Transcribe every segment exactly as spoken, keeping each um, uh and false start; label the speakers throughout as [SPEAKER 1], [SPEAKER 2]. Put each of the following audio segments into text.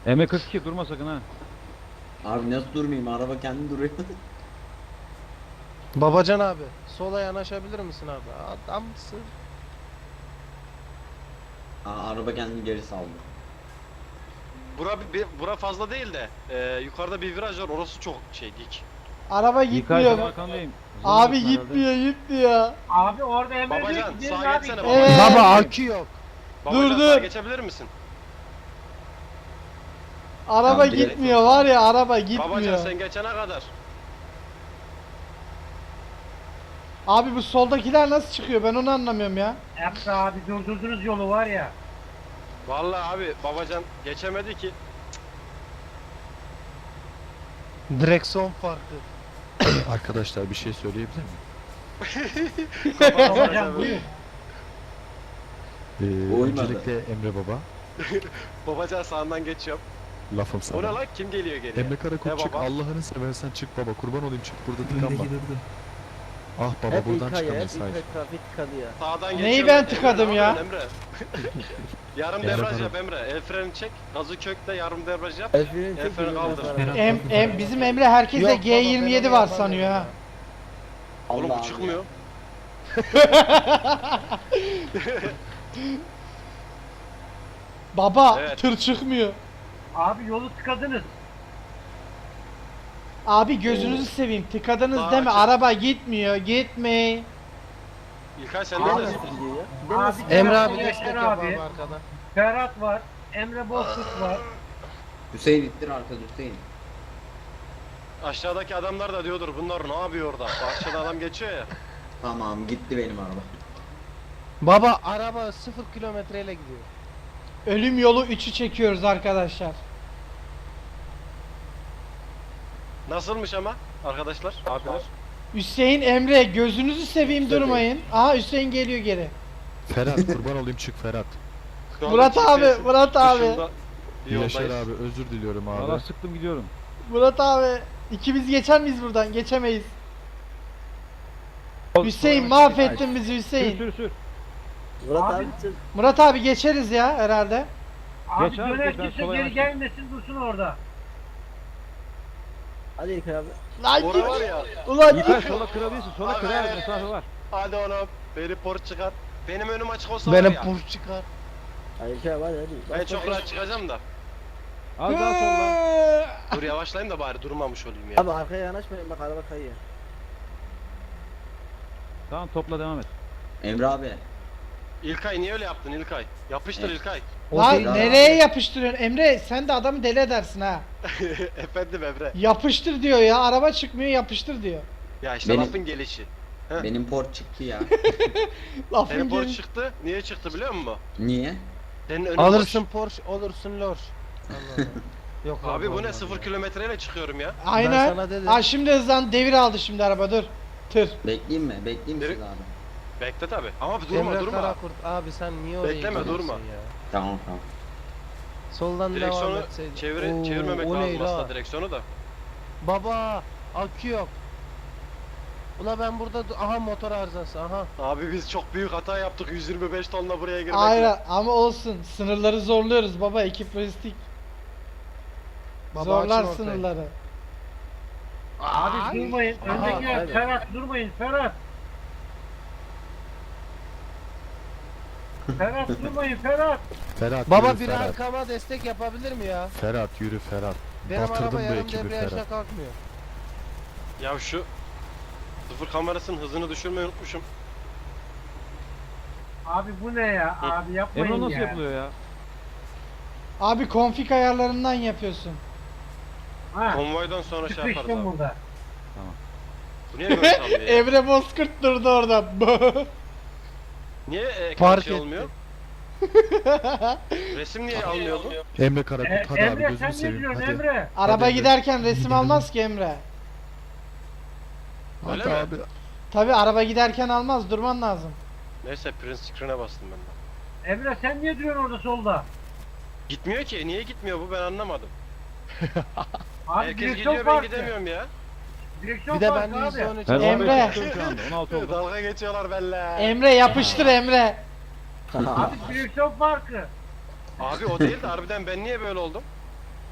[SPEAKER 1] M kırk iki durma sakın ha.
[SPEAKER 2] Abi nasıl durmayayım? Araba kendi duruyor.
[SPEAKER 3] Babacan abi, sola yanaşabilir misin abi? Adamsın.
[SPEAKER 2] Aa, araba kendini geri saldı.
[SPEAKER 4] Bura, bir, bura fazla değil de e, yukarıda bir viraj var, orası çok şey dik.
[SPEAKER 5] Araba
[SPEAKER 1] Yıkay
[SPEAKER 5] gitmiyor.
[SPEAKER 1] arkandayım.
[SPEAKER 5] Abi
[SPEAKER 1] Zorluyorsun
[SPEAKER 5] gitmiyor gitmiyor.
[SPEAKER 6] Abi orada Emre diyor
[SPEAKER 4] Babacan
[SPEAKER 6] ki gidelim
[SPEAKER 4] sağa
[SPEAKER 6] abi.
[SPEAKER 4] geçsene
[SPEAKER 5] Evet.
[SPEAKER 4] babacan.
[SPEAKER 3] Baba akü yok.
[SPEAKER 4] Babacan,
[SPEAKER 5] Dur,
[SPEAKER 4] sağa
[SPEAKER 5] dur.
[SPEAKER 4] geçebilir misin?
[SPEAKER 5] Araba
[SPEAKER 2] Tamam, direkt
[SPEAKER 5] gitmiyor var ya, araba
[SPEAKER 4] Babacan
[SPEAKER 5] gitmiyor.
[SPEAKER 4] sen geçene kadar.
[SPEAKER 5] Abi bu soldakiler nasıl çıkıyor, ben onu anlamıyorum ya.
[SPEAKER 6] Emre abi durdurdunuz yolu var ya.
[SPEAKER 4] Vallahi abi babacan geçemedi ki.
[SPEAKER 3] Direksiyon farkı.
[SPEAKER 7] Arkadaşlar bir şey söyleyebilir miyim?
[SPEAKER 6] Babacan buyur.
[SPEAKER 7] Ee,
[SPEAKER 2] Uymadı.
[SPEAKER 7] öncelikle Emre Baba,
[SPEAKER 4] Babacan sağından geçiyorum.
[SPEAKER 7] lafım
[SPEAKER 4] O ne
[SPEAKER 7] sana.
[SPEAKER 4] lan, kim geliyor geriye?
[SPEAKER 7] Emre Karakol
[SPEAKER 4] Ne
[SPEAKER 7] çık,
[SPEAKER 4] baba?
[SPEAKER 7] Allah'ını seversen çık baba, kurban olayım çık, burada tıkanma. Ah baba, buradan çıkamayız, hayır.
[SPEAKER 4] Sağdan
[SPEAKER 5] Neyi
[SPEAKER 4] geçiyorum.
[SPEAKER 5] ben
[SPEAKER 4] Emre,
[SPEAKER 5] tıkadım
[SPEAKER 4] ne
[SPEAKER 5] ya?
[SPEAKER 4] yapıyorsun Emre? Yarım
[SPEAKER 7] Emre
[SPEAKER 4] debriyaj
[SPEAKER 7] bana-
[SPEAKER 4] yap Emre. El freni çek. Gazı kökle yarım debriyaj yap. El freni kaldır.
[SPEAKER 5] Em, em, bizim Emre herkese
[SPEAKER 3] Yok
[SPEAKER 5] G
[SPEAKER 3] baba,
[SPEAKER 5] yirmi
[SPEAKER 3] ben
[SPEAKER 5] yedi
[SPEAKER 3] onu
[SPEAKER 5] var
[SPEAKER 3] yapamıyorum
[SPEAKER 5] sanıyor ha.
[SPEAKER 3] ya.
[SPEAKER 4] Oğlum
[SPEAKER 2] Allah
[SPEAKER 4] bu çıkmıyor.
[SPEAKER 5] Baba
[SPEAKER 4] Evet.
[SPEAKER 5] tır çıkmıyor.
[SPEAKER 6] Abi yolu tıkadınız.
[SPEAKER 5] Abi gözünüzü seveyim, tıkadınız
[SPEAKER 4] Daha
[SPEAKER 5] değil mi?
[SPEAKER 4] açık.
[SPEAKER 5] Araba gitmiyor, gitme.
[SPEAKER 4] İlkay sen
[SPEAKER 6] Abi,
[SPEAKER 4] neredesin?
[SPEAKER 6] abi
[SPEAKER 3] Emre abi
[SPEAKER 6] Emre
[SPEAKER 3] destek yap
[SPEAKER 6] abi.
[SPEAKER 3] abi arkadan.
[SPEAKER 6] Ferhat var. Emre Bozkurt var.
[SPEAKER 2] Hüseyin ittir arkada Hüseyin.
[SPEAKER 4] Aşağıdaki adamlar da diyordur bunlar ne yapıyor orada? Bahçede adam geçiyor ya.
[SPEAKER 2] Tamam gitti benim araba.
[SPEAKER 3] Baba araba sıfır kilometreyle gidiyor.
[SPEAKER 5] Ölüm yolu üçü çekiyoruz arkadaşlar.
[SPEAKER 4] Nasılmış ama arkadaşlar, abiler?
[SPEAKER 5] Hüseyin, Emre gözünüzü seveyim,
[SPEAKER 2] Tabii.
[SPEAKER 5] durmayın. Aha Hüseyin geliyor geri.
[SPEAKER 7] Ferhat, kurban olayım çık Ferhat.
[SPEAKER 4] Şu anda
[SPEAKER 5] Murat abi,
[SPEAKER 4] G P S'in
[SPEAKER 5] Murat abi.
[SPEAKER 4] dışında bir
[SPEAKER 7] Yaşar
[SPEAKER 4] yoldayız.
[SPEAKER 7] abi, özür diliyorum
[SPEAKER 1] Valla
[SPEAKER 7] abi.
[SPEAKER 1] sıktım gidiyorum.
[SPEAKER 5] Murat abi, ikimiz geçer miyiz buradan? Geçemeyiz. Hüseyin mahvettin bizi
[SPEAKER 1] Sür
[SPEAKER 5] Hüseyin.
[SPEAKER 1] sür sür.
[SPEAKER 6] Abi,
[SPEAKER 5] Murat abi geçeriz ya herhalde.
[SPEAKER 6] abi
[SPEAKER 1] Geç abi,
[SPEAKER 6] döner
[SPEAKER 1] geç, ben
[SPEAKER 6] kimse
[SPEAKER 1] sola
[SPEAKER 6] geri
[SPEAKER 1] yanaşayım.
[SPEAKER 6] gelmesin dursun orada.
[SPEAKER 5] Lan
[SPEAKER 4] Orada
[SPEAKER 5] git.
[SPEAKER 4] var ya.
[SPEAKER 5] Ulan
[SPEAKER 1] Yıkay
[SPEAKER 5] git.
[SPEAKER 1] sola kırabilirsin. Sola
[SPEAKER 4] Abi,
[SPEAKER 1] kır ha,
[SPEAKER 4] evet.
[SPEAKER 1] mesafe var.
[SPEAKER 4] Hadi oğlum. Beni por çıkar. Benim önüm açık olsa var
[SPEAKER 3] Benim
[SPEAKER 4] ya.
[SPEAKER 3] pur çıkar.
[SPEAKER 4] Ben çok rahat çıkacağım da.
[SPEAKER 1] Az daha solla.
[SPEAKER 4] Dur yavaşlayayım da bari durmamış olayım ya.
[SPEAKER 8] Abi arkaya yanaşmayın bak araba kayıyor.
[SPEAKER 1] Tamam topla devam et.
[SPEAKER 2] Emre abi.
[SPEAKER 4] İlkay niye öyle yaptın İlkay? Yapıştır
[SPEAKER 2] Evet.
[SPEAKER 4] İlkay.
[SPEAKER 3] O
[SPEAKER 5] Lan
[SPEAKER 3] değil abi.
[SPEAKER 5] nereye yapıştırıyorsun Emre? Sen de adamı deli edersin ha.
[SPEAKER 4] Efendim Emre.
[SPEAKER 5] Yapıştır diyor ya. Araba çıkmıyor, yapıştır diyor.
[SPEAKER 4] Ya işte
[SPEAKER 2] Benim-
[SPEAKER 4] lafın gelişi. Heh.
[SPEAKER 2] Benim port çıktı ya.
[SPEAKER 5] Lafın
[SPEAKER 4] Senin por
[SPEAKER 5] gel-
[SPEAKER 4] çıktı. Niye çıktı biliyor musun?
[SPEAKER 2] Niye?
[SPEAKER 4] Senin önün
[SPEAKER 3] Alırsın
[SPEAKER 4] boş.
[SPEAKER 3] Porsche, olursun Lor. Allah Allah. Yok
[SPEAKER 4] Abi bu ne
[SPEAKER 3] olmaz
[SPEAKER 4] sıfır
[SPEAKER 3] ya.
[SPEAKER 4] kilometreyle çıkıyorum ya.
[SPEAKER 3] Ben
[SPEAKER 5] Aynen.
[SPEAKER 3] sana dedim.
[SPEAKER 5] Ha şimdi hızlan, devir aldı şimdi araba, dur. Tır.
[SPEAKER 2] Bekleyeyim mi? Bekleyeyim mi
[SPEAKER 4] Direkt-
[SPEAKER 2] siz abi?
[SPEAKER 4] Bekle tabi. Ama durma
[SPEAKER 3] Emre
[SPEAKER 4] durma.
[SPEAKER 3] Karakurt abi sen niye oraya
[SPEAKER 4] Bekleme,
[SPEAKER 3] gidiyorsun
[SPEAKER 4] durma.
[SPEAKER 3] ya?
[SPEAKER 2] Tamam tamam.
[SPEAKER 3] Soldan devam
[SPEAKER 4] Direksiyonu
[SPEAKER 3] etseydin.
[SPEAKER 4] çevir,
[SPEAKER 3] Oo,
[SPEAKER 4] çevirmemek
[SPEAKER 3] o ne
[SPEAKER 4] lazım
[SPEAKER 3] la?
[SPEAKER 4] aslında direksiyonu da.
[SPEAKER 3] Baba akü yok. Ula ben burada du- aha motor arızası aha.
[SPEAKER 4] Abi biz çok büyük hata yaptık yüz yirmi beş tonla buraya girmekle.
[SPEAKER 5] Aynen ama olsun. Sınırları zorluyoruz baba, ekip lojistik.
[SPEAKER 3] Baba
[SPEAKER 5] Zorlar
[SPEAKER 3] açın ortayı.
[SPEAKER 5] sınırları.
[SPEAKER 6] Abi durmayın.
[SPEAKER 3] Aha,
[SPEAKER 6] Öndeki
[SPEAKER 8] aynen.
[SPEAKER 6] Ferhat durmayın Ferhat. Ferhat durmayın Ferhat.
[SPEAKER 7] Ferhat
[SPEAKER 3] Baba
[SPEAKER 7] yürü
[SPEAKER 3] bir
[SPEAKER 7] Ferhat.
[SPEAKER 3] arkama destek yapabilir mi ya?
[SPEAKER 7] Ferhat yürü Ferhat.
[SPEAKER 3] Benim
[SPEAKER 7] Batırdın
[SPEAKER 3] araba
[SPEAKER 7] bu
[SPEAKER 3] yarım
[SPEAKER 7] ekibi
[SPEAKER 3] debriyajla
[SPEAKER 7] Ferhat.
[SPEAKER 3] kalkmıyor.
[SPEAKER 4] Ya şu sıfır kamerasının hızını düşürmeyi unutmuşum.
[SPEAKER 6] Abi bu ne ya? Abi yapmayın
[SPEAKER 1] Emre nasıl
[SPEAKER 6] ya.
[SPEAKER 1] yapılıyor ya?
[SPEAKER 5] Abi konfig ayarlarından yapıyorsun.
[SPEAKER 6] Ha.
[SPEAKER 4] Konvoydan sonra şey yaparız
[SPEAKER 6] Sıkıştım
[SPEAKER 4] abi.
[SPEAKER 6] burada.
[SPEAKER 4] Bu niye böyle sallıyor ya?
[SPEAKER 5] Emre Bozkurt durdu orada.
[SPEAKER 4] Niye ekran
[SPEAKER 3] Fark
[SPEAKER 4] şey
[SPEAKER 3] etti.
[SPEAKER 4] olmuyor? Resim niye almıyor bu?
[SPEAKER 7] Emre
[SPEAKER 6] E,
[SPEAKER 7] Karakurt hadi abi
[SPEAKER 6] Emre
[SPEAKER 7] gözünü
[SPEAKER 6] sen ne
[SPEAKER 7] seveyim
[SPEAKER 6] diyorsun
[SPEAKER 7] hadi.
[SPEAKER 6] Emre?
[SPEAKER 5] Araba
[SPEAKER 7] Hadi.
[SPEAKER 5] giderken resim almaz ki Emre.
[SPEAKER 4] Öyle
[SPEAKER 7] Hadi
[SPEAKER 4] mi?
[SPEAKER 7] abi.
[SPEAKER 5] Tabi araba giderken almaz, durman lazım.
[SPEAKER 4] Neyse print screen'e bastım ben de.
[SPEAKER 6] Emre sen niye duruyorsun orada solda?
[SPEAKER 4] Gitmiyor ki. Niye gitmiyor bu ben anlamadım.
[SPEAKER 6] Abi
[SPEAKER 4] Herkes
[SPEAKER 6] direksiyon
[SPEAKER 4] gidiyor ben
[SPEAKER 6] farkı.
[SPEAKER 4] gidemiyorum ya.
[SPEAKER 6] Direksiyon
[SPEAKER 3] Bir de
[SPEAKER 6] farkı
[SPEAKER 3] ben de
[SPEAKER 6] abi.
[SPEAKER 3] yüzde on üç
[SPEAKER 1] Ben
[SPEAKER 5] Emre.
[SPEAKER 1] on beş yapıyorum şu anda. on altı oldu.
[SPEAKER 4] Dalga geçiyorlar benimle.
[SPEAKER 5] Emre yapıştır Emre.
[SPEAKER 6] Abi direksiyon farkı.
[SPEAKER 4] Abi o değil de harbiden ben niye böyle oldum?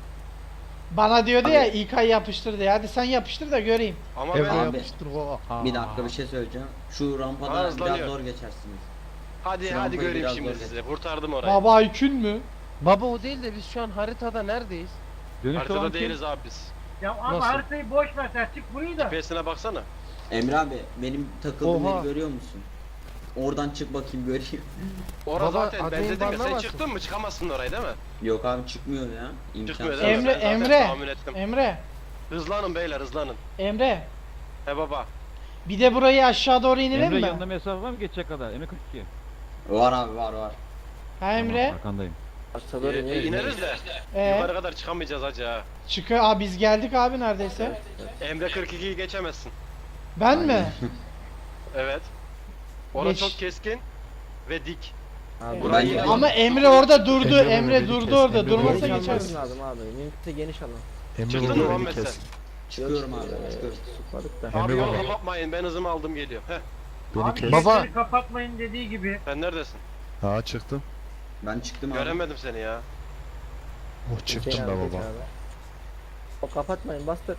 [SPEAKER 5] Bana diyordu ya İlkay yapıştır diye. Hadi sen yapıştır da göreyim.
[SPEAKER 4] Ama
[SPEAKER 3] Emre
[SPEAKER 4] ben...
[SPEAKER 2] Abi,
[SPEAKER 3] yapıştır o.
[SPEAKER 2] Bir dakika bir şey söyleyeceğim. Şu rampada
[SPEAKER 4] Aa,
[SPEAKER 2] biraz
[SPEAKER 4] hızlanıyor.
[SPEAKER 2] zor geçersiniz.
[SPEAKER 4] Hadi
[SPEAKER 2] Şu
[SPEAKER 4] hadi
[SPEAKER 2] rampayı
[SPEAKER 4] göreyim
[SPEAKER 2] biraz
[SPEAKER 4] şimdi
[SPEAKER 2] zor
[SPEAKER 4] sizi. Kurtardım orayı.
[SPEAKER 5] Baba Aykün mü?
[SPEAKER 3] Baba o değil de biz şu an haritada neredeyiz?
[SPEAKER 1] Dönüşte olan
[SPEAKER 4] Haritada
[SPEAKER 1] kim?
[SPEAKER 4] değiliz abi biz.
[SPEAKER 6] Ya abi
[SPEAKER 3] Nasıl?
[SPEAKER 6] haritayı boş ver sen çık burayı da.
[SPEAKER 4] G P S'ine baksana.
[SPEAKER 2] Emre abi benim takıldığım
[SPEAKER 3] Oha.
[SPEAKER 2] yeri görüyor musun? Oradan çık bakayım göreyim.
[SPEAKER 4] Orada
[SPEAKER 3] Baba,
[SPEAKER 4] zaten ben
[SPEAKER 3] admin
[SPEAKER 4] dedim ya sen
[SPEAKER 3] banlamasın.
[SPEAKER 4] çıktın mı çıkamazsın orayı değil mi?
[SPEAKER 2] Yok abi çıkmıyor ya. İmkansız.
[SPEAKER 4] Çıkmıyor değil mi?
[SPEAKER 5] Emre,
[SPEAKER 4] Ben zaten
[SPEAKER 5] Emre.
[SPEAKER 4] tahmin ettim.
[SPEAKER 5] Emre,
[SPEAKER 4] Hızlanın beyler hızlanın.
[SPEAKER 5] Emre.
[SPEAKER 4] He baba.
[SPEAKER 5] Bir de burayı aşağı doğru inelim
[SPEAKER 1] Emre
[SPEAKER 5] mi?
[SPEAKER 1] yanında mesafe var mı geçecek kadar? Emre kırk iki.
[SPEAKER 2] Var abi var var.
[SPEAKER 5] Ha Emre?
[SPEAKER 1] Tamam, arkandayım.
[SPEAKER 8] Aşağı
[SPEAKER 4] Ee, e, ineriz de
[SPEAKER 5] Ee,
[SPEAKER 4] yukarı kadar çıkamayacağız hacı ha.
[SPEAKER 5] çıkıyor. Aa biz geldik abi neredeyse.
[SPEAKER 4] Emre kırk ikiyi geçemezsin.
[SPEAKER 5] Ben mi?
[SPEAKER 4] Evet. Orası
[SPEAKER 5] Geç.
[SPEAKER 4] çok keskin ve dik.
[SPEAKER 8] Abi,
[SPEAKER 4] Burayı-
[SPEAKER 2] Bence-
[SPEAKER 5] Ama Emre orada durdu.
[SPEAKER 7] Emre
[SPEAKER 5] Emre
[SPEAKER 7] beni
[SPEAKER 5] durdu
[SPEAKER 7] kes,
[SPEAKER 5] orada.
[SPEAKER 7] Emre
[SPEAKER 5] Durmasa
[SPEAKER 7] beni
[SPEAKER 8] geniş
[SPEAKER 7] kes.
[SPEAKER 5] geçersin.
[SPEAKER 8] almamız lazım abi. Mümkünse geniş alın.
[SPEAKER 7] Emre
[SPEAKER 4] Çıktın mı
[SPEAKER 7] burada beni
[SPEAKER 4] Muhammed sen?
[SPEAKER 7] kes.
[SPEAKER 2] Çıkıyorum
[SPEAKER 8] Yok,
[SPEAKER 2] abi
[SPEAKER 8] eee,
[SPEAKER 2] çıkıyorum.
[SPEAKER 8] Sıkmadık da.
[SPEAKER 7] Emre
[SPEAKER 4] Abi yolu
[SPEAKER 7] baba.
[SPEAKER 4] kapatmayın ben hızımı aldım geliyor. Heh.
[SPEAKER 7] Beni
[SPEAKER 6] Abi
[SPEAKER 7] kes.
[SPEAKER 3] Baba.
[SPEAKER 6] geçleri kapatmayın dediği gibi.
[SPEAKER 4] Sen neredesin?
[SPEAKER 7] Ha çıktım.
[SPEAKER 2] Ben çıktım abi.
[SPEAKER 4] Göremedim seni ya.
[SPEAKER 7] Oh çıktım
[SPEAKER 8] Hüseyin
[SPEAKER 7] be
[SPEAKER 8] abi, geç
[SPEAKER 7] baba.
[SPEAKER 8] abi. O kapatmayın bastır.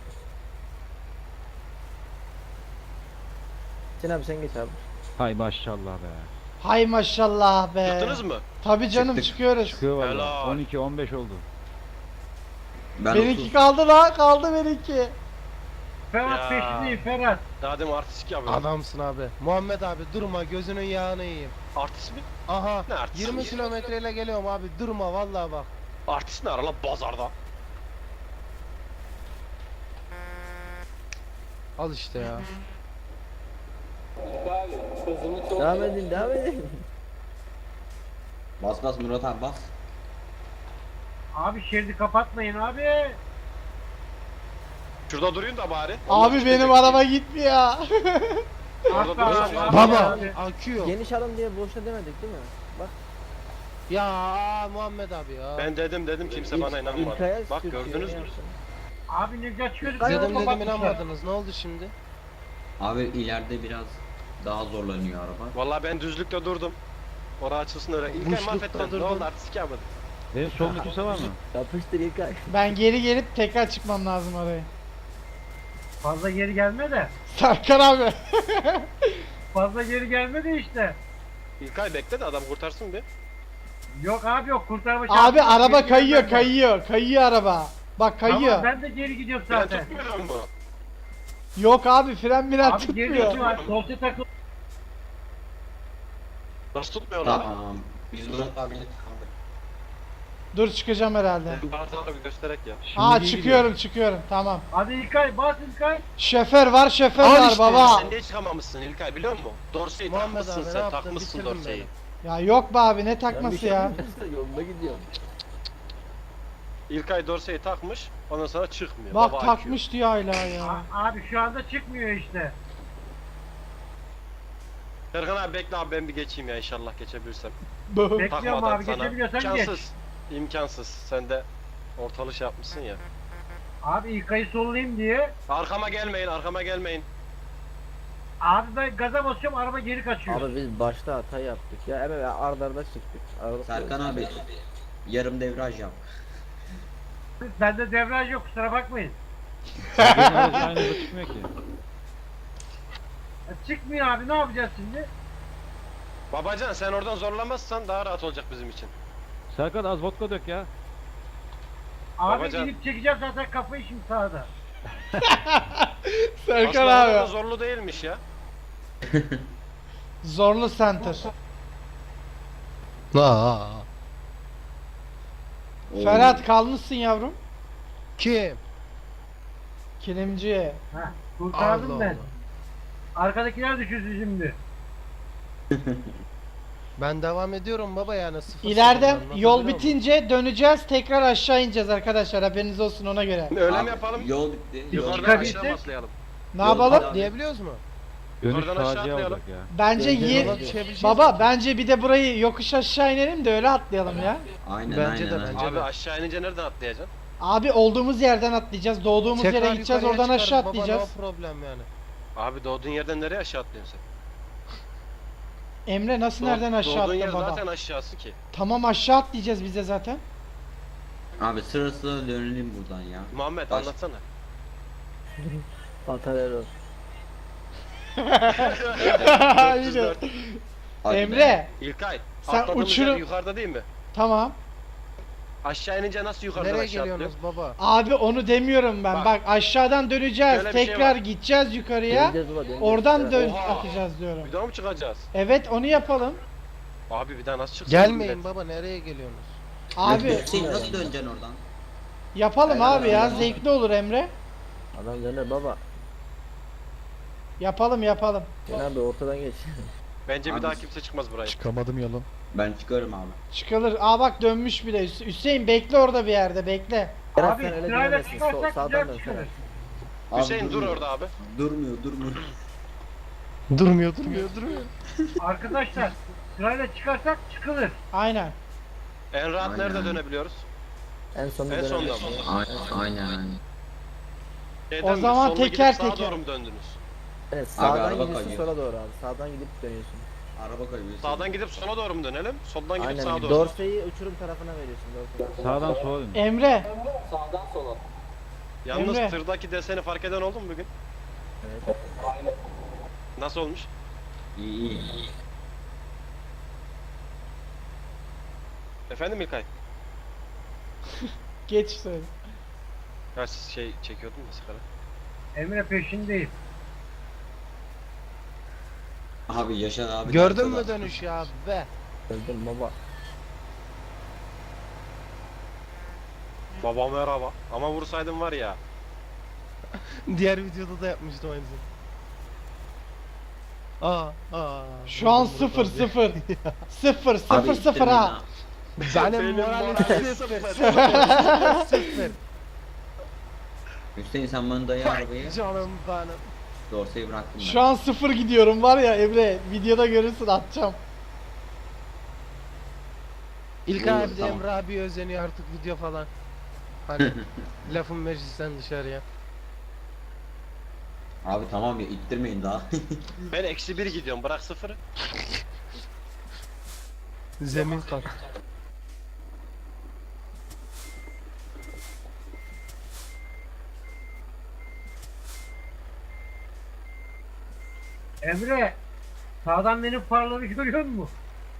[SPEAKER 8] Hüseyin abi sen geç abi.
[SPEAKER 1] Hay maşallah be.
[SPEAKER 5] Hay maşallah be.
[SPEAKER 4] Çıktınız mı?
[SPEAKER 5] Tabii canım
[SPEAKER 2] Çıktık.
[SPEAKER 5] çıkıyoruz.
[SPEAKER 1] Çıkıyor valla.
[SPEAKER 4] Helal.
[SPEAKER 1] on iki on beş oldu.
[SPEAKER 2] Ben
[SPEAKER 5] Benimki
[SPEAKER 2] otuz.
[SPEAKER 5] kaldı la. Kaldı benimki.
[SPEAKER 6] Ferhat
[SPEAKER 4] Ya.
[SPEAKER 6] peşindeyim Ferhat.
[SPEAKER 4] Daha demin artistik yapıyorum.
[SPEAKER 3] Adamsın abi. Muhammed abi durma gözünün yağını yiyeyim.
[SPEAKER 4] Artist mi?
[SPEAKER 3] Aha
[SPEAKER 4] Ne artisti?
[SPEAKER 3] yirmi kilometreyle geliyorum abi durma vallahi bak.
[SPEAKER 4] Artist ne ara lan pazarda?
[SPEAKER 3] Al işte ya.
[SPEAKER 8] Devam edin devam edin.
[SPEAKER 2] Bas bas Murat abi bas.
[SPEAKER 6] Abi şeridi kapatmayın abi.
[SPEAKER 4] Şurada duruyun da bari. Onlar
[SPEAKER 5] Abi
[SPEAKER 4] çıkacak.
[SPEAKER 5] benim araba gitmiyor.
[SPEAKER 4] Orada
[SPEAKER 6] Asla
[SPEAKER 4] durursan
[SPEAKER 6] abi,
[SPEAKER 4] abi.
[SPEAKER 3] Baba
[SPEAKER 6] abi.
[SPEAKER 3] akü yok.
[SPEAKER 8] Geniş alın diye boşuna demedik değil mi? Bak.
[SPEAKER 3] Ya aa, Muhammed abi ya.
[SPEAKER 4] Ben dedim dedim kimse bana inanmadı.
[SPEAKER 8] İlkay'a
[SPEAKER 4] Bak
[SPEAKER 8] sürtüyor,
[SPEAKER 4] gördünüz
[SPEAKER 8] ne
[SPEAKER 4] mü?
[SPEAKER 8] yapsın?
[SPEAKER 6] Abi ne geçiyorduk.
[SPEAKER 8] Dedim,
[SPEAKER 3] Dedim dedim
[SPEAKER 6] kapatmışlar.
[SPEAKER 3] inanmadınız ne oldu şimdi?
[SPEAKER 2] Abi ileride biraz daha zorlanıyor araba.
[SPEAKER 4] Vallahi ben düzlükte durdum. Orası açılsın öyle. İlk ay
[SPEAKER 3] Boşlukta
[SPEAKER 4] mahvettin. Ne
[SPEAKER 3] durdun.
[SPEAKER 4] oldu artistik yapmadın.
[SPEAKER 1] Benim solumda kimse var mı?
[SPEAKER 8] Yapıştır İlkay.
[SPEAKER 5] Ben geri gelip tekrar çıkmam lazım oraya.
[SPEAKER 6] Fazla geri gelme de.
[SPEAKER 5] Serkan abi.
[SPEAKER 6] Fazla geri gelme de işte.
[SPEAKER 4] İlkay bekle de adam kurtarsın bir.
[SPEAKER 6] Yok abi yok kurtarma
[SPEAKER 5] Abi
[SPEAKER 6] şansı yok.
[SPEAKER 5] araba
[SPEAKER 6] Geri
[SPEAKER 5] kayıyor
[SPEAKER 6] gelmez.
[SPEAKER 5] kayıyor. Kayıyor araba. Bak kayıyor.
[SPEAKER 6] Tamam ben de geri gidiyorum
[SPEAKER 4] Ben
[SPEAKER 6] zaten.
[SPEAKER 4] tutmuyorum mu?
[SPEAKER 5] Yok abi fren miren
[SPEAKER 6] Abi geri
[SPEAKER 5] tutmuyor.
[SPEAKER 6] gidiyorum. Dosya takıl.
[SPEAKER 4] Nasıl tutmuyor lan?
[SPEAKER 2] Tamam. Biz Murat abiyle kaldık.
[SPEAKER 5] Dur çıkacağım herhalde.
[SPEAKER 4] Bardağı bir göstererek ya.
[SPEAKER 1] Şimdi
[SPEAKER 5] Aa
[SPEAKER 1] iyi
[SPEAKER 5] çıkıyorum çıkıyorum tamam.
[SPEAKER 6] Hadi İlkay bas İlkay.
[SPEAKER 5] Şoför var şoför
[SPEAKER 3] Al
[SPEAKER 5] var
[SPEAKER 3] işte,
[SPEAKER 5] baba.
[SPEAKER 4] Sen niye çıkamamışsın İlkay biliyor musun? Dorseyi
[SPEAKER 3] Muhammed
[SPEAKER 4] takmışsın
[SPEAKER 3] abi, ne
[SPEAKER 4] sen
[SPEAKER 3] yaptın?
[SPEAKER 4] takmışsın
[SPEAKER 3] Bitirdin
[SPEAKER 4] dorseyi.
[SPEAKER 5] Ya yok be abi ne
[SPEAKER 8] Ben bir
[SPEAKER 5] takması
[SPEAKER 8] şey
[SPEAKER 5] ya.
[SPEAKER 8] bilmiyorum, Yolunda gidiyorum.
[SPEAKER 4] İlkay dorseyi takmış ondan sonra çıkmıyor.
[SPEAKER 5] Bak
[SPEAKER 4] Baba
[SPEAKER 5] takmış diyor hala ya.
[SPEAKER 6] A- abi şu anda çıkmıyor işte.
[SPEAKER 4] Serkan abi bekle abi ben bir geçeyim ya inşallah geçebilirsem.
[SPEAKER 6] Bekliyorum
[SPEAKER 4] Takmadan
[SPEAKER 6] abi
[SPEAKER 4] sana.
[SPEAKER 6] geçebiliyorsan geç.
[SPEAKER 4] İmkansız. İmkansız. Sen de ortalık şey yapmışsın ya.
[SPEAKER 6] Abi İlkay'ı sollayayım diye.
[SPEAKER 4] Arkama gelmeyin arkama gelmeyin.
[SPEAKER 6] Abi ben gaza basıyorum araba geri kaçıyor.
[SPEAKER 8] Abi biz başta hata yaptık ya hemen arda arda çıktık. Arada
[SPEAKER 2] Serkan abi yarım devraj yap.
[SPEAKER 6] Bende devraj yok kusura bakmayın.
[SPEAKER 1] Benim aracı aynı hızda çıkmıyor ki.
[SPEAKER 6] Ya çıkmıyor abi ne yapacağız şimdi?
[SPEAKER 4] Babacan sen oradan zorlamazsan daha rahat olacak bizim için.
[SPEAKER 1] Serkan az vodka dök ya.
[SPEAKER 6] Abi
[SPEAKER 4] Babacan.
[SPEAKER 6] inip çekeceğim zaten kafayı şimdi sağda.
[SPEAKER 5] Serkan
[SPEAKER 4] Aslında orada da
[SPEAKER 5] abi.
[SPEAKER 4] zorlu değilmiş ya.
[SPEAKER 5] Zorlu center.
[SPEAKER 3] Aa.
[SPEAKER 2] Oo.
[SPEAKER 5] Ferhat kalmışsın yavrum.
[SPEAKER 3] Kim?
[SPEAKER 5] Kilimci.
[SPEAKER 6] Heh, kurtardım
[SPEAKER 3] Allah
[SPEAKER 6] ben.
[SPEAKER 3] Allah.
[SPEAKER 6] Arkadakiler düşünsün şimdi.
[SPEAKER 3] Ben devam ediyorum baba yani sıfır
[SPEAKER 5] İleride
[SPEAKER 3] sıfırdan,
[SPEAKER 5] yol
[SPEAKER 3] anlatabiliyor muyum?
[SPEAKER 5] bitince döneceğiz tekrar aşağı ineceğiz arkadaşlar haberiniz olsun ona göre.
[SPEAKER 4] Öyle
[SPEAKER 2] Abi,
[SPEAKER 4] mi yapalım?
[SPEAKER 2] Yol bitti. Yol
[SPEAKER 4] Yukarıdan
[SPEAKER 6] Çıkabilsek-
[SPEAKER 4] aşağı atlayalım.
[SPEAKER 5] Ne
[SPEAKER 2] Yol
[SPEAKER 5] yapalım?
[SPEAKER 2] bitti.
[SPEAKER 3] Diyebiliyoruz mu?
[SPEAKER 1] Dönüş
[SPEAKER 4] Yukarıdan aşağı
[SPEAKER 1] facia
[SPEAKER 4] atlayalım.
[SPEAKER 1] olacak ya.
[SPEAKER 5] Bence
[SPEAKER 8] Bence
[SPEAKER 5] ye-
[SPEAKER 8] yola
[SPEAKER 3] düşebileceğiz
[SPEAKER 5] Baba
[SPEAKER 3] mi?
[SPEAKER 5] bence bir de burayı yokuş aşağı inelim de öyle atlayalım ya.
[SPEAKER 2] Aynen
[SPEAKER 3] Bence
[SPEAKER 2] aynen.
[SPEAKER 3] de,
[SPEAKER 2] aynen.
[SPEAKER 3] bence.
[SPEAKER 4] Abi aşağı inince nereden atlayacaksın?
[SPEAKER 5] Abi olduğumuz yerden atlayacağız. Doğduğumuz
[SPEAKER 3] Tekrar
[SPEAKER 5] yere gideceğiz
[SPEAKER 3] yukarıya
[SPEAKER 5] oradan aşağı
[SPEAKER 3] çıkarız baba,
[SPEAKER 5] atlayacağız.
[SPEAKER 3] no problem yani.
[SPEAKER 4] Abi doğduğun yerden nereye aşağı atlıyorsun sen?
[SPEAKER 5] Emre nasıl
[SPEAKER 4] Doğ-
[SPEAKER 5] nereden aşağı
[SPEAKER 4] Doğduğun yer
[SPEAKER 5] attın baba?
[SPEAKER 4] zaten aşağısı ki.
[SPEAKER 5] Tamam aşağı atlayacağız bize zaten.
[SPEAKER 2] Abi sıra sıra dönelim buradan ya.
[SPEAKER 4] Muhammed
[SPEAKER 2] Baş-
[SPEAKER 4] anlatsana.
[SPEAKER 8] Batarya
[SPEAKER 5] Aynen.
[SPEAKER 4] dört yüz dört.
[SPEAKER 2] Hadi be.
[SPEAKER 5] Emre
[SPEAKER 4] İlkay.
[SPEAKER 5] Sen
[SPEAKER 4] atladığımız
[SPEAKER 5] uçurum-
[SPEAKER 4] yer yukarıda değil mi?
[SPEAKER 5] tamam.
[SPEAKER 4] Aşağı inince nasıl yukarıdan
[SPEAKER 3] Nereye
[SPEAKER 4] aşağı atlıyor?
[SPEAKER 3] geliyorsunuz baba?
[SPEAKER 5] Abi onu demiyorum ben. Bak,
[SPEAKER 4] Bak.
[SPEAKER 5] aşağıdan döneceğiz.
[SPEAKER 4] Şöyle bir şey
[SPEAKER 5] Tekrar
[SPEAKER 4] var.
[SPEAKER 5] gideceğiz yukarıya.
[SPEAKER 8] Döneceğiz baba, döneceğiz.
[SPEAKER 5] Oradan
[SPEAKER 8] Evet.
[SPEAKER 5] dön
[SPEAKER 4] Oha.
[SPEAKER 5] atacağız diyorum.
[SPEAKER 4] Bir daha mı çıkacağız?
[SPEAKER 5] Evet onu yapalım.
[SPEAKER 4] Abi bir daha nasıl çıksın?
[SPEAKER 3] Gelmeyin baba, nereye geliyorsunuz?
[SPEAKER 5] Abi
[SPEAKER 2] Hüseyin nasıl döneceksin oradan?
[SPEAKER 5] yapalım
[SPEAKER 2] Aynen,
[SPEAKER 5] abi ya.
[SPEAKER 2] aynen.
[SPEAKER 5] Zevkli olur Emre.
[SPEAKER 8] Adam döner baba.
[SPEAKER 5] Yapalım yapalım.
[SPEAKER 8] Sen abi ortadan geç.
[SPEAKER 4] Bence bir
[SPEAKER 2] Abi-
[SPEAKER 4] daha kimse çıkmaz buraya.
[SPEAKER 7] Çıkamadım yalan.
[SPEAKER 2] Ben çıkarım abi.
[SPEAKER 5] Çıkılır. Aa bak dönmüş bile. Hüs- Hüseyin bekle orada bir yerde bekle.
[SPEAKER 8] Berat
[SPEAKER 6] Abi
[SPEAKER 8] sen öyle
[SPEAKER 6] sırayla
[SPEAKER 8] dönemezsin. Sol,
[SPEAKER 6] çıkarsak
[SPEAKER 8] sağdan
[SPEAKER 6] güzel
[SPEAKER 8] dön
[SPEAKER 6] çıkarız.
[SPEAKER 8] Ferhat.
[SPEAKER 2] Abi
[SPEAKER 4] Hüseyin dur
[SPEAKER 2] durmuyor.
[SPEAKER 4] orada abi.
[SPEAKER 2] Durmuyor durmuyor.
[SPEAKER 3] Durmuyor durmuyor duruyor.
[SPEAKER 6] Arkadaşlar sırayla çıkarsak çıkılır.
[SPEAKER 5] Aynen.
[SPEAKER 4] En rahat
[SPEAKER 2] Aynen.
[SPEAKER 4] nerede dönebiliyoruz?
[SPEAKER 8] En sonunda
[SPEAKER 4] En sonda
[SPEAKER 8] dönemezsin.
[SPEAKER 4] mı?
[SPEAKER 2] Aynen aynen.
[SPEAKER 4] Şeyden
[SPEAKER 5] O
[SPEAKER 4] mi?
[SPEAKER 5] zaman
[SPEAKER 4] Soluna gidip
[SPEAKER 5] teker
[SPEAKER 4] sağa
[SPEAKER 5] teker.
[SPEAKER 4] doğru mu döndünüz?
[SPEAKER 8] Evet
[SPEAKER 2] Abi
[SPEAKER 8] sağdan
[SPEAKER 2] araba
[SPEAKER 8] gidiyorsun
[SPEAKER 2] kayıyor.
[SPEAKER 8] sola doğru abi. Sağdan gidip dönüyorsun.
[SPEAKER 2] Araba kayıyor.
[SPEAKER 4] Sağdan gidip sola doğru mu dönelim? Soldan gidip sağa
[SPEAKER 8] Aynen.
[SPEAKER 4] doğru.
[SPEAKER 8] Dorseyi uçurum tarafına veriyorsun. Dorseyi.
[SPEAKER 1] Sağdan sola dön.
[SPEAKER 5] Emre.
[SPEAKER 4] Yalnız
[SPEAKER 5] Emre.
[SPEAKER 4] tırdaki deseni fark eden oldu mu bugün?
[SPEAKER 8] Evet.
[SPEAKER 4] Nasıl olmuş?
[SPEAKER 2] İyi iyi.
[SPEAKER 4] Efendim İlkay?
[SPEAKER 5] Geç söyle.
[SPEAKER 4] Ya siz şey çekiyordun da sigara.
[SPEAKER 6] Emre peşindeyiz.
[SPEAKER 2] Abi Yaşar abi.
[SPEAKER 3] Gördün mü
[SPEAKER 2] arkada.
[SPEAKER 3] dönüş ya be?
[SPEAKER 8] Öldüm baba.
[SPEAKER 4] Baba merhaba. Ama vursaydım var ya.
[SPEAKER 3] Diğer videoda da yapmıştım aynısını. Aa, aa.
[SPEAKER 5] Şu an
[SPEAKER 3] vurdum
[SPEAKER 5] sıfır
[SPEAKER 3] buradan.
[SPEAKER 5] sıfır. Sıfır
[SPEAKER 2] Abi
[SPEAKER 5] sıfır sıfır
[SPEAKER 2] ittirmeyin
[SPEAKER 5] ha.
[SPEAKER 3] Benim
[SPEAKER 4] Benim
[SPEAKER 3] moralim
[SPEAKER 4] moralim
[SPEAKER 3] sıfır. Sıfır.
[SPEAKER 2] Hüseyin sen bana dayı arabayı.
[SPEAKER 3] Canım benim.
[SPEAKER 2] Dorseyi bıraktım ben.
[SPEAKER 5] Şu an sıfır gidiyorum var ya Emre. Videoda görürsün atacağım.
[SPEAKER 3] İlk
[SPEAKER 2] Olur,
[SPEAKER 3] abi de
[SPEAKER 2] tamam.
[SPEAKER 3] Emre abi özeniyor artık video falan. Hani lafın meclisten dışarıya.
[SPEAKER 2] Abi tamam ya ittirmeyin daha.
[SPEAKER 4] Ben eksi bir gidiyorum. Bırak sıfırı.
[SPEAKER 3] Zemin kat.
[SPEAKER 6] Emre sağdan benim paraları görüyor musun?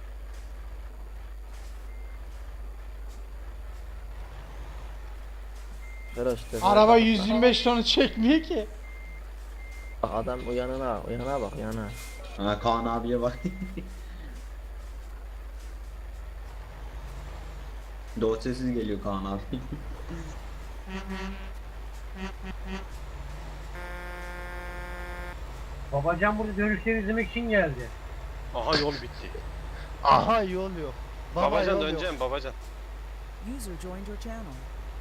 [SPEAKER 8] Ferhat işte.
[SPEAKER 5] Araba yüz yirmi beş tonu çekmiyor ki.
[SPEAKER 8] Bak adam uyanına, uyanına bak uyanına.
[SPEAKER 2] Ha, Kaan abiye bak. Dorsesiz geliyor Kaan abi.
[SPEAKER 6] Babacan burada dönüşleri izlemek için geldi.
[SPEAKER 4] Aha yol bitti.
[SPEAKER 3] Aha yol yok. Baba
[SPEAKER 4] Babacan
[SPEAKER 3] yol yok.
[SPEAKER 4] döneceğim babacan.
[SPEAKER 9] User joined your channel.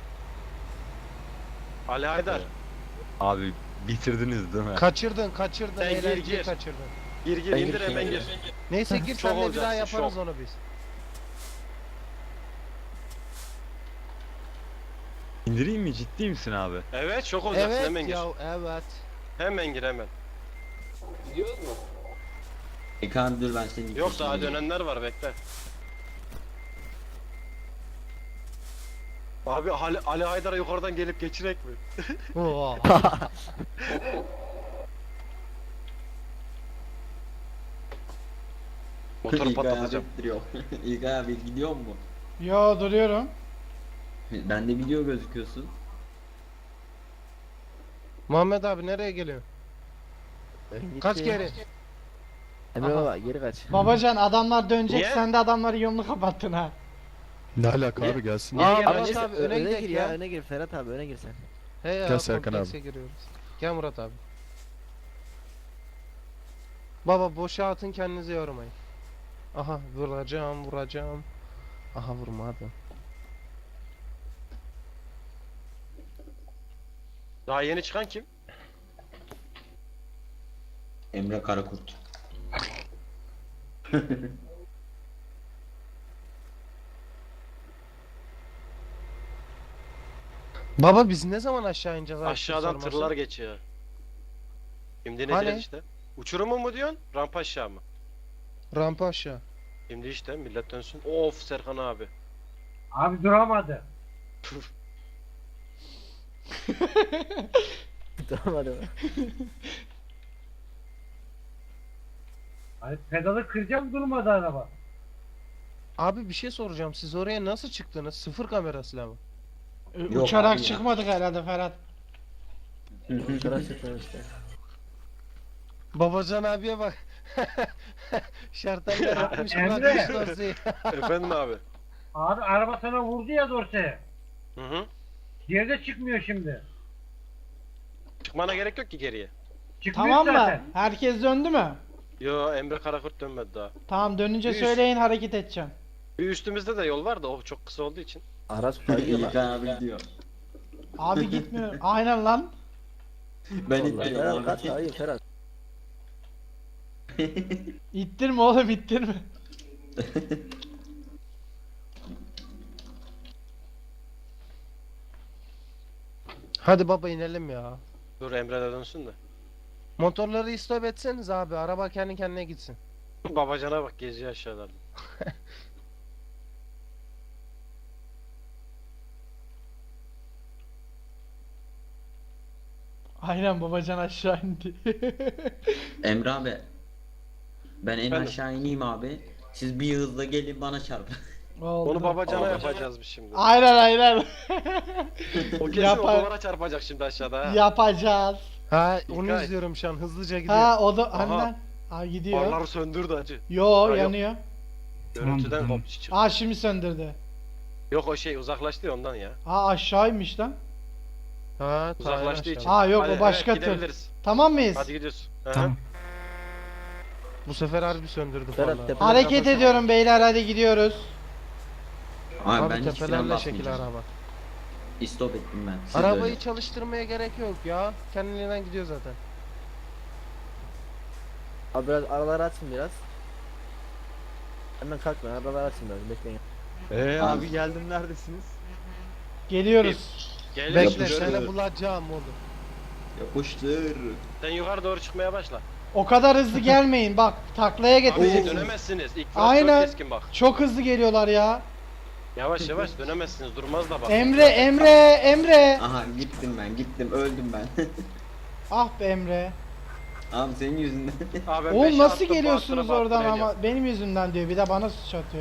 [SPEAKER 4] Ali Haydar.
[SPEAKER 10] Abi bitirdiniz değil mi?
[SPEAKER 3] Kaçırdın kaçırdın.
[SPEAKER 4] Sen gir,
[SPEAKER 3] Eğlenceyi
[SPEAKER 4] gir.
[SPEAKER 3] kaçırdın.
[SPEAKER 4] Gir gir
[SPEAKER 2] Ben
[SPEAKER 4] indir
[SPEAKER 2] gireyim,
[SPEAKER 4] hemen
[SPEAKER 2] gir.
[SPEAKER 4] gir.
[SPEAKER 3] Neyse gir
[SPEAKER 4] Şov
[SPEAKER 3] senle bir
[SPEAKER 4] olacaksın,
[SPEAKER 3] daha yaparız
[SPEAKER 4] şov.
[SPEAKER 3] onu biz.
[SPEAKER 10] İndireyim mi? Ciddi misin abi?
[SPEAKER 4] Evet şok olacaksın
[SPEAKER 3] Evet
[SPEAKER 4] hemen gir.
[SPEAKER 3] ya evet.
[SPEAKER 4] Hemen gir hemen.
[SPEAKER 2] E Kaan dur ben seni
[SPEAKER 4] Yok daha dönenler var bekle. Abi Ali, Ali Haydar'a yukarıdan gelip geçirek mi?
[SPEAKER 3] Oo.
[SPEAKER 4] Motoru
[SPEAKER 2] İlkay abi
[SPEAKER 4] patlatacağım.
[SPEAKER 2] ittiriyor. İlkay abi gidiyor mu?
[SPEAKER 5] Yo duruyorum.
[SPEAKER 2] Bende video gözüküyorsun.
[SPEAKER 3] Muhammed abi nereye geliyor?
[SPEAKER 8] Gitti.
[SPEAKER 3] Kaç kere?
[SPEAKER 8] Emre
[SPEAKER 3] Aha.
[SPEAKER 8] baba geri kaç.
[SPEAKER 5] Babacan adamlar dönecek
[SPEAKER 4] Niye?
[SPEAKER 5] sen de adamların yolunu kapattın ha.
[SPEAKER 7] Ne alaka abi gelsin.
[SPEAKER 3] Aa,
[SPEAKER 4] Niye
[SPEAKER 3] Murat
[SPEAKER 4] gelmez?
[SPEAKER 8] neyse,
[SPEAKER 3] abi
[SPEAKER 8] ö-
[SPEAKER 3] öne
[SPEAKER 8] öne
[SPEAKER 3] gidelim
[SPEAKER 8] gir
[SPEAKER 3] ya.
[SPEAKER 8] ya. Öne gir Ferhat abi öne gir sen.
[SPEAKER 3] He ya.
[SPEAKER 7] Gel Serkan
[SPEAKER 3] komplekse
[SPEAKER 7] abi.
[SPEAKER 3] giriyoruz. Gel Murat abi. Baba boşa atın kendinizi yormayın. Aha vuracağım vuracağım. Aha vurmadım.
[SPEAKER 4] Daha yeni çıkan kim?
[SPEAKER 2] Emre Karakurt.
[SPEAKER 3] Baba biz ne zaman aşağı ineceğiz? ayıptır
[SPEAKER 4] Aşağıdan
[SPEAKER 3] sorması?
[SPEAKER 4] tırlar geçiyor. Şimdi
[SPEAKER 3] Hani?
[SPEAKER 4] ineceğiz işte. Uçurumu mu diyorsun? Rampa aşağı mı?
[SPEAKER 3] Rampa aşağı.
[SPEAKER 4] Şimdi işte millet dönsün. Of Serkan abi.
[SPEAKER 6] Abi duramadı.
[SPEAKER 8] Tamam hadi.
[SPEAKER 6] Hani pedalı kıracağım durmadı araba.
[SPEAKER 3] Abi bir şey soracağım. Siz oraya nasıl çıktınız? Sıfır kamerasıyla mı?
[SPEAKER 5] Ee,
[SPEAKER 2] Yok
[SPEAKER 5] Uçarak
[SPEAKER 2] abi ya.
[SPEAKER 5] çıkmadık herhalde Ferhat.
[SPEAKER 8] Uçarak çıktın işte.
[SPEAKER 3] Babacan abiye bak. Şartlar yapmış
[SPEAKER 6] Emre.
[SPEAKER 3] bırakmış dosyayı.
[SPEAKER 4] Efendim abi.
[SPEAKER 6] Abi araba sana vurdu ya dorseye.
[SPEAKER 4] Hı hı.
[SPEAKER 6] Geride çıkmıyor şimdi.
[SPEAKER 4] Çıkmana gerek yok ki geriye.
[SPEAKER 6] Çıkmıyor
[SPEAKER 5] Tamam mı?
[SPEAKER 6] zaten.
[SPEAKER 5] Herkes döndü mü?
[SPEAKER 4] Yo, Emre Karakurt dönmedi daha.
[SPEAKER 5] Tamam, dönünce
[SPEAKER 4] Üst.
[SPEAKER 5] söyleyin, hareket edeceğim.
[SPEAKER 4] Bir üstümüzde de yol var da o çok kısa olduğu için.
[SPEAKER 8] Araç kayıyor lan.
[SPEAKER 2] İlkan abi gidiyor.
[SPEAKER 5] Abi gitmiyor. Aynen lan.
[SPEAKER 2] Ben
[SPEAKER 8] Vallahi
[SPEAKER 2] ittim
[SPEAKER 8] Ferhat
[SPEAKER 2] abi.
[SPEAKER 8] kaç kayıyor Ferhat.
[SPEAKER 5] İttirme oğlum, ittirme.
[SPEAKER 3] Hadi baba inelim ya.
[SPEAKER 4] Dur Emre de dönsün de.
[SPEAKER 3] Motorları istop etseniz abi. Araba kendi kendine gitsin.
[SPEAKER 4] Babacana bak geziyor aşağılarda.
[SPEAKER 5] Aynen, babacan aşağı indi.
[SPEAKER 2] Emre abi. Ben en
[SPEAKER 4] Efendim?
[SPEAKER 2] aşağı ineyim abi. Siz bir hızla gelin bana çarpın.
[SPEAKER 5] Oldu.
[SPEAKER 4] Onu babacana
[SPEAKER 2] Babacana.
[SPEAKER 4] yapacağız biz şimdi.
[SPEAKER 5] Aynen aynen.
[SPEAKER 4] O kesin
[SPEAKER 5] Yapar.
[SPEAKER 4] o duvara çarpacak şimdi aşağıda ha.
[SPEAKER 5] Yapacağız.
[SPEAKER 3] Ha onu
[SPEAKER 4] İlkay.
[SPEAKER 3] izliyorum şu an. Hızlıca gidiyor.
[SPEAKER 5] Ha o da hani
[SPEAKER 4] Aha.
[SPEAKER 5] lan. Aa, gidiyor.
[SPEAKER 4] Farları söndürdü acı.
[SPEAKER 5] Yo,
[SPEAKER 4] Ha, yok.
[SPEAKER 5] yanıyor.
[SPEAKER 4] Görüntüden koptu çıktı.
[SPEAKER 5] Aa, şimdi söndürdü.
[SPEAKER 4] Yok o şey uzaklaştı ya ondan ya.
[SPEAKER 5] Aa, aşağıymış lan.
[SPEAKER 3] Ha,
[SPEAKER 4] Uzaklaştığı
[SPEAKER 3] tayar
[SPEAKER 4] için.
[SPEAKER 5] Aa, yok,
[SPEAKER 4] Hadi,
[SPEAKER 5] o başka
[SPEAKER 4] evet,
[SPEAKER 5] tür.
[SPEAKER 4] gidebiliriz.
[SPEAKER 5] Tamam mıyız?
[SPEAKER 4] Hadi gidiyoruz. Hı hı.
[SPEAKER 1] Tamam.
[SPEAKER 3] Bu sefer harbi söndürdü
[SPEAKER 8] Ferhat,
[SPEAKER 3] falan.
[SPEAKER 8] tepe-
[SPEAKER 5] Hareket ediyorum beyler, hadi gidiyoruz.
[SPEAKER 2] Abi,
[SPEAKER 3] Abi
[SPEAKER 2] ben hiç fren
[SPEAKER 3] tepelerle şekil
[SPEAKER 2] basmayacağım.
[SPEAKER 3] araba.
[SPEAKER 2] İstop ettim ben. Siz de
[SPEAKER 3] Arabayı
[SPEAKER 2] öyle.
[SPEAKER 3] çalıştırmaya gerek yok ya. Kendiliğinden gidiyor zaten.
[SPEAKER 8] Abi biraz araları açın biraz. Hemen kalkma, araları açın biraz, bekleyin.
[SPEAKER 10] Eee
[SPEAKER 2] Abi.
[SPEAKER 10] abi geldim neredesiniz?
[SPEAKER 5] Geliyoruz.
[SPEAKER 4] Gel
[SPEAKER 3] Bekle
[SPEAKER 2] Yapıştır.
[SPEAKER 3] seni bulacağım oğlum.
[SPEAKER 2] Yapıştır.
[SPEAKER 4] Sen yukarı doğru çıkmaya başla.
[SPEAKER 5] O kadar hızlı gelmeyin, bak taklaya
[SPEAKER 4] Abi
[SPEAKER 5] getireceksiniz.
[SPEAKER 4] dönemezsiniz. İlk viraj
[SPEAKER 5] Aynen.
[SPEAKER 4] çok keskin bak.
[SPEAKER 5] Çok hızlı geliyorlar ya.
[SPEAKER 4] Yavaş yavaş dönemezsiniz. Durmaz da bak.
[SPEAKER 5] Emre, Emre, Emre.
[SPEAKER 2] Aha gittim ben gittim öldüm ben.
[SPEAKER 5] Ah be Emre.
[SPEAKER 2] Abi senin yüzünden.
[SPEAKER 4] Abi ben
[SPEAKER 5] Oğlum
[SPEAKER 4] beşe
[SPEAKER 5] nasıl
[SPEAKER 4] attım,
[SPEAKER 5] geliyorsunuz
[SPEAKER 4] bastıra
[SPEAKER 5] oradan
[SPEAKER 4] bastıra
[SPEAKER 5] ama benim yüzümden diyor, bir de bana suç atıyor.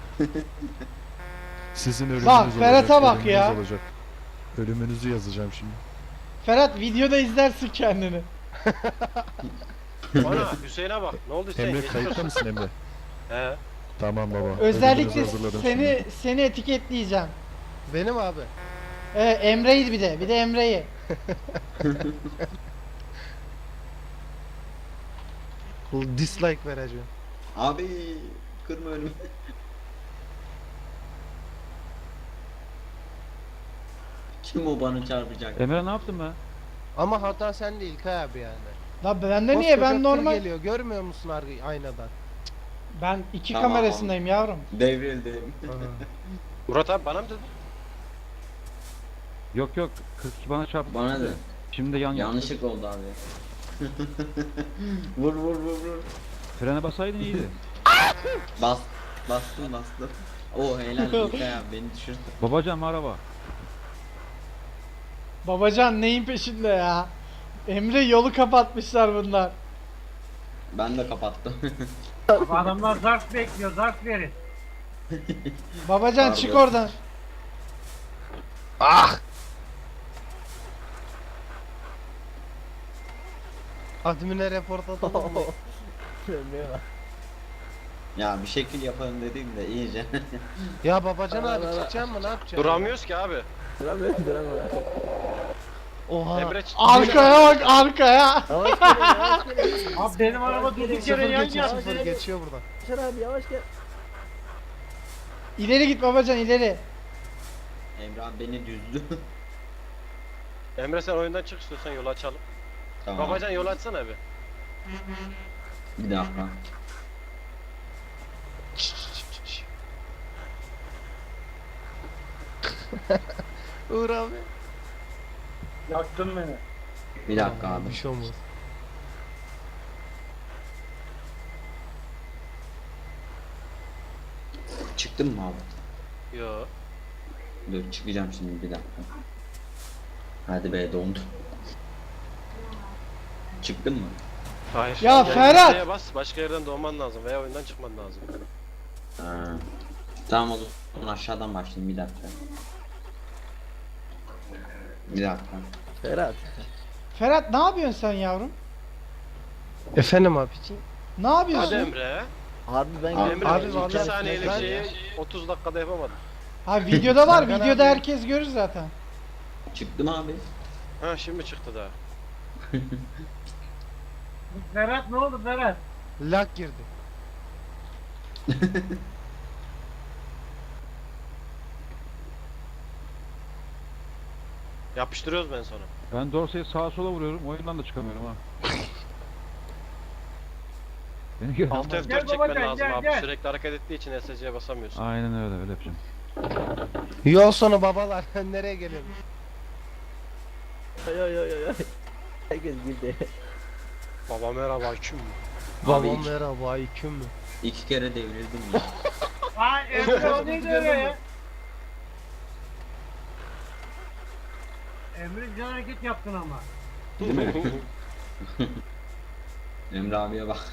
[SPEAKER 7] Sizin ölümünüz
[SPEAKER 5] Bak,
[SPEAKER 7] olacak.
[SPEAKER 5] Ferhat'a bak
[SPEAKER 7] ölümünüz
[SPEAKER 5] ya.
[SPEAKER 7] olacak. Ölümünüzü yazacağım şimdi.
[SPEAKER 5] Ferhat, videoda izlersin kendini.
[SPEAKER 4] geliyor. Ana Hüseyin'e bak. Ne oldu Hüseyin?
[SPEAKER 7] Emre
[SPEAKER 4] Geçmiş
[SPEAKER 7] kayıtta
[SPEAKER 4] olsun.
[SPEAKER 7] mısın Emre?
[SPEAKER 4] He.
[SPEAKER 7] Tamam baba.
[SPEAKER 5] Özellikle
[SPEAKER 7] ölümünüzü hazırladım
[SPEAKER 5] seni
[SPEAKER 7] şimdi.
[SPEAKER 5] seni etiketleyeceğim.
[SPEAKER 3] Benim abi.
[SPEAKER 5] Ee, Emre'yi bir de, bir de Emre'yi.
[SPEAKER 3] Dislike vereceğim.
[SPEAKER 2] Abi kırma önümü. Kim o bana çarpacak?
[SPEAKER 1] Emre ne yaptın be?
[SPEAKER 3] Ama hata sende İlkay abi yani.
[SPEAKER 5] La bende niye,
[SPEAKER 3] Koskoca
[SPEAKER 5] ben
[SPEAKER 3] tır
[SPEAKER 5] normal.
[SPEAKER 3] geliyor. Görmüyor musun ar- aynadan?
[SPEAKER 5] Ben iki
[SPEAKER 2] Tamam.
[SPEAKER 5] kamerasındayım yavrum.
[SPEAKER 2] Devrildim.
[SPEAKER 4] Murat abi bana mı dedin?
[SPEAKER 1] Yok yok, kırk iki bana çarptı.
[SPEAKER 2] Bana da.
[SPEAKER 1] Şimdi de yan yaptı.
[SPEAKER 2] Yanlışlık oldu abi. vur vur vur vur.
[SPEAKER 1] Frene basaydın iyiydi.
[SPEAKER 2] Bas. Bastım bastım. O helal İlkay abi beni düşürdü.
[SPEAKER 1] Babacan araba.
[SPEAKER 5] Babacan neyin peşinde ya? Emre, yolu kapatmışlar bunlar.
[SPEAKER 2] Ben de kapattım.
[SPEAKER 6] Abi adamlar zarf bekliyor, zarf verin.
[SPEAKER 5] Babacan
[SPEAKER 2] Pardon.
[SPEAKER 5] çık oradan.
[SPEAKER 3] Admin'e report atalım mı?
[SPEAKER 8] Emre'ye bak.
[SPEAKER 2] ya bir şekil yapalım dedim de iyice.
[SPEAKER 3] Ya Babacan
[SPEAKER 8] Ara,
[SPEAKER 3] abi
[SPEAKER 8] ara.
[SPEAKER 3] çıkacaksın mı, ne yapacaksın?
[SPEAKER 4] Duramıyoruz ki abi.
[SPEAKER 8] Duramıyorum, duramıyorum.
[SPEAKER 3] Oha.
[SPEAKER 4] Emre ç-
[SPEAKER 5] Arkaya bak, arkaya.
[SPEAKER 8] Yavaş gel, yavaş gel.
[SPEAKER 6] Abi benim araba durduk
[SPEAKER 3] Sıfır
[SPEAKER 6] yere yan
[SPEAKER 3] geçiyor,
[SPEAKER 6] yana.
[SPEAKER 3] sıfır geçiyor buradan.
[SPEAKER 8] Yaşar abi yavaş gel.
[SPEAKER 5] İleri git babacan, ileri.
[SPEAKER 2] Emre abi beni düzdü.
[SPEAKER 4] Emre sen oyundan çık istiyorsan yolu açalım.
[SPEAKER 2] tamam.
[SPEAKER 4] Babacan yol açsana bir.
[SPEAKER 2] Bir dakika.
[SPEAKER 3] Uğur abi.
[SPEAKER 6] Yaktın beni.
[SPEAKER 2] Bir dakika abi.
[SPEAKER 3] Bir şey olmaz.
[SPEAKER 2] Çıktın mı abi?
[SPEAKER 4] Yo.
[SPEAKER 2] Dur çıkacağım şimdi bir dakika. Hadi be dondu. Çıktın mı?
[SPEAKER 4] Hayır.
[SPEAKER 5] Ya
[SPEAKER 4] Yani
[SPEAKER 5] Ferhat!
[SPEAKER 4] V'ye bas, başka yerden doğman lazım veya oyundan çıkman lazım.
[SPEAKER 2] Ha. Tamam o zaman aşağıdan başlayayım bir dakika. Bir dakika.
[SPEAKER 8] Ferhat.
[SPEAKER 5] Ferhat ne yapıyorsun sen yavrum?
[SPEAKER 3] Efendim abiciğim.
[SPEAKER 5] Ne
[SPEAKER 4] Hadi
[SPEAKER 5] yapıyorsun?
[SPEAKER 4] Emre.
[SPEAKER 8] Abi ben
[SPEAKER 2] Abi,
[SPEAKER 4] Emre
[SPEAKER 3] abi
[SPEAKER 4] iki
[SPEAKER 3] vallahi
[SPEAKER 4] saniyelik
[SPEAKER 3] ben-
[SPEAKER 4] şeyi otuz dakikada yapamadım.
[SPEAKER 5] Ha videoda var.
[SPEAKER 3] Serkan
[SPEAKER 5] Videoda
[SPEAKER 3] abi.
[SPEAKER 5] herkes görür zaten.
[SPEAKER 2] Çıktım abi.
[SPEAKER 4] Ha şimdi çıktı daha.
[SPEAKER 6] Ferhat ne oldu Ferhat?
[SPEAKER 3] Lag girdi.
[SPEAKER 4] Yapıştırıyoruz ben sonra.
[SPEAKER 1] Ben Dorsey'i sağa sola vuruyorum. Oyundan da çıkamıyorum ha. Beni gör.
[SPEAKER 4] Alt F
[SPEAKER 6] Gel
[SPEAKER 4] dört çekmen
[SPEAKER 6] babacan,
[SPEAKER 4] lazım
[SPEAKER 6] gel,
[SPEAKER 4] abi.
[SPEAKER 6] gel.
[SPEAKER 4] Sürekli hareket ettiği için S C'ye basamıyorsun.
[SPEAKER 1] Aynen öyle öyle yapacağım.
[SPEAKER 3] Yol sonu babalar. Nereye geliyorsun?
[SPEAKER 8] Oy oy oy oy. Herkes girdi.
[SPEAKER 4] Baba merhaba kim?
[SPEAKER 3] Babam
[SPEAKER 2] iki-
[SPEAKER 3] merhaba aleyküm mü?
[SPEAKER 2] İki kere devrildim ya.
[SPEAKER 6] Aa Emre o neydi öyle ya? Emre güzel hareket yaptın ama.
[SPEAKER 2] Değil mi? Emre abiye bak.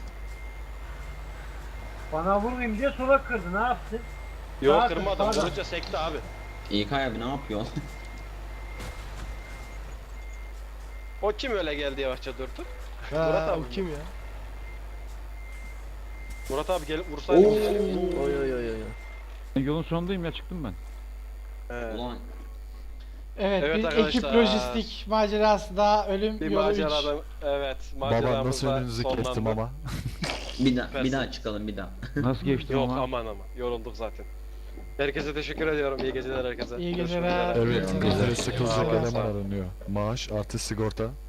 [SPEAKER 6] Bana vurmayayım diye sola kırdı ne yaptın?
[SPEAKER 4] Yok
[SPEAKER 6] Sağa
[SPEAKER 4] kırmadım.
[SPEAKER 6] kır, sağa.
[SPEAKER 4] Vurunca sekti abi.
[SPEAKER 2] İlkay abi ne yapıyorsun?
[SPEAKER 4] O kim öyle geldi yavaşça durdu?
[SPEAKER 3] Ha,
[SPEAKER 4] Murat abi
[SPEAKER 3] o kim ya?
[SPEAKER 4] Murat abi gelip vursaydı.
[SPEAKER 8] Oy oy oy oy.
[SPEAKER 1] Ben yolun sonundayım ya çıktım ben.
[SPEAKER 4] He.
[SPEAKER 2] Ulan
[SPEAKER 5] Evet,
[SPEAKER 4] Evet
[SPEAKER 5] bir
[SPEAKER 4] arkadaşlar.
[SPEAKER 5] ekip lojistik macerası daha ölüm
[SPEAKER 4] Bir
[SPEAKER 5] yolu üç.
[SPEAKER 4] macerada evet
[SPEAKER 7] Baba nasıl
[SPEAKER 4] maceramızda
[SPEAKER 7] önünüzü kestim
[SPEAKER 4] sonlandı.
[SPEAKER 7] ama.
[SPEAKER 2] bir daha
[SPEAKER 4] Süpersin.
[SPEAKER 2] bir daha çıkalım bir daha.
[SPEAKER 1] Nasıl geçtim
[SPEAKER 4] Yok
[SPEAKER 1] ama?
[SPEAKER 4] aman aman yorulduk zaten. Herkese teşekkür ediyorum. İyi geceler herkese.
[SPEAKER 5] İyi
[SPEAKER 4] Görüşmek
[SPEAKER 5] geceler.
[SPEAKER 4] üzere.
[SPEAKER 7] Evet,
[SPEAKER 5] Evet.
[SPEAKER 7] bizlere sıkılacak
[SPEAKER 4] Sağ ol, sağ
[SPEAKER 7] eleman
[SPEAKER 4] ol.
[SPEAKER 7] aranıyor. Maaş artı sigorta.